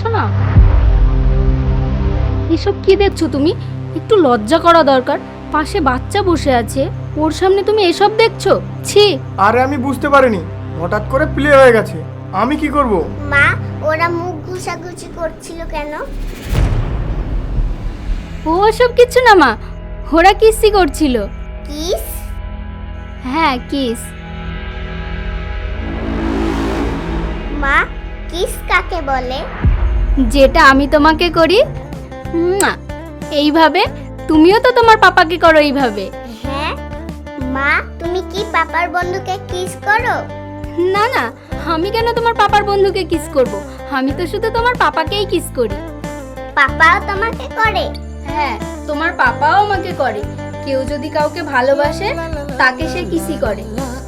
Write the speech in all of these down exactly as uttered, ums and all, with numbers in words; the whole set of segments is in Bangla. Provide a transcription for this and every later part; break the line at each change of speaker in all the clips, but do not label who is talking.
পারছো না? এসব কি দেখছো তুমি? একটু লজ্জা করা দরকার। পাশে বাচ্চা বসে আছে, ওর সামনে তুমি এসব দেখছো? ছি।
আরে আমি বুঝতে পারিনি, হঠাৎ করে প্লে হয়ে গেছে, আমি কি করব?
মা, ওরা মুখ ঘুষাঘুষি করছিল কেন?
ও সব কিছু না মা, ওরা কিসই করছিল।
কিস?
হ্যাঁ, কিস।
মা, কিস কাকে বলে?
যেটা আমি তোমাকে করি, মুয়া, এইভাবে। তুমিও তো তোমার পাপাকে করো এইভাবে।
হ্যাঁ মা, তুমি কি পাপার বন্ধুকে কিস করো?
না না, আমি কেন তোমার পাপার বন্ধুকে কিস করব? আমি তো শুধু তোমার পাপাকেই কিস করি।
পাপাও তোমাকে করে?
হ্যাঁ, তোমার পাপাও আমাকে করে। কেউ যদি কাউকে ভালোবাসে তাকে সে কিসই করে।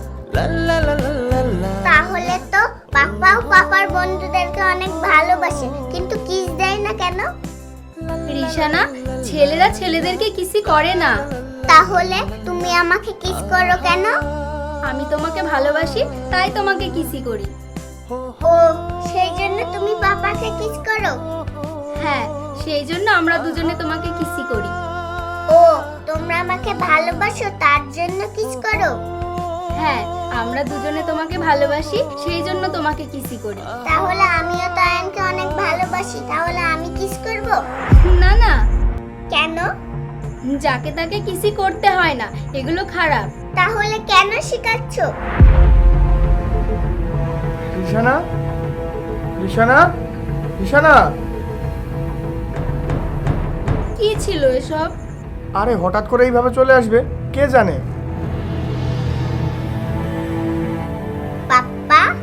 তাহলে তো পাপাও পাপার বন্ধুদেরকে অনেক ভালোবাসে, কিন্তু কিস দেয় না কেন?
রিশানা, ছেলেরা ছেলেদেরকে কিসই করে না।
তাহলে তুমি আমাকে কিস করো কেন?
আমি তোমাকে ভালোবাসি, তাই তোমাকে কিসই করি।
ও, সেই জন্য তুমি পাপাকে কিস করো?
হ্যাঁ, সেই জন্য আমরা দুজনে তোমাকে কিসই করি।
ও, তোমরা আমাকে ভালোবাসো তার জন্য কিস করো?
হ্যাঁ, আমরা দুজনে তোমাকে ভালোবাসি, সেই জন্য তোমাকে কিসই করি।
তাহলে আমিও তো আয়নকে অনেক ভালোবাসি, তাহলে আমি কিস করব?
না না,
কেন?
যাকে তাকে কিসই করতে হয় না, এগুলো খারাপ।
তাহলে কেন শেখাচ্ছ?
রিশানা, রিশানা, রিশানা।
কি ছিল এসব?
আরে হঠাৎ করে এইভাবে চলে আসবে, কে জানে।